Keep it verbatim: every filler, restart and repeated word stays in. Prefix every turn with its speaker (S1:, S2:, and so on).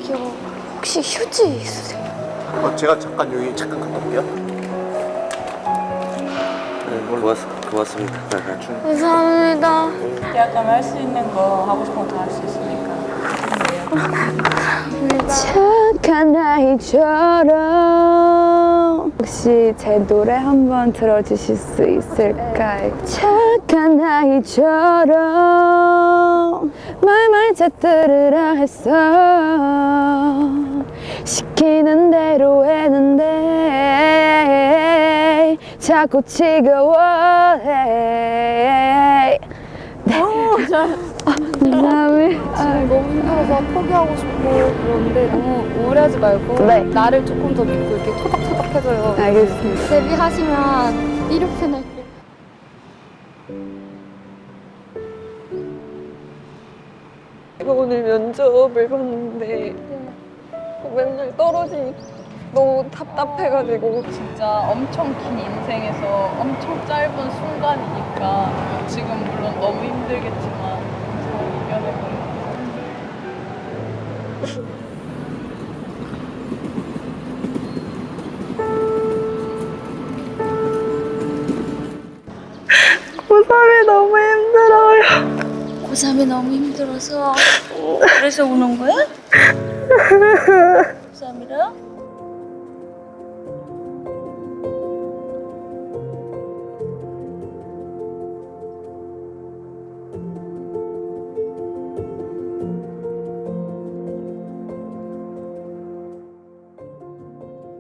S1: 저기요, 혹시 휴지 있으세요?
S2: 어, 제가 잠깐 여기 잠깐 갔다 올게요.
S3: 네, 고맙, 고맙습니다.
S1: 감사합니다.
S4: 대학 가면 할 수 있는 거 하고 싶은 거 다 할 수 있으니까.
S1: 착한 아이처럼 혹시 제 노래 한번 들어주실 수 있을까요? 착한 아이처럼 말말 잘 들으라 했어. 시키는 대로 했는데 자꾸 지겨워해. 네. 감사합니다.
S5: 지금 너무 힘들어서 포기하고 싶고 그런데 너무 우울해하지 말고
S1: 네.
S5: 나를 조금 더 믿고 이렇게 토닥토닥 해줘요.
S1: 알겠습니다.
S5: 데뷔하시면 이렇게 날
S6: 제가 오늘 면접을 봤는데 맨날 떨어지니까 너무 답답해가지고
S4: 진짜 엄청 긴 인생에서 엄청 짧은 순간이니까 지금 물론 너무 힘들겠지만 잘 이겨내고
S6: 고삼이 너무 힘들어요.
S1: 고삼이 너무 힘들어서 그래서 우는 거야? 고삼이라?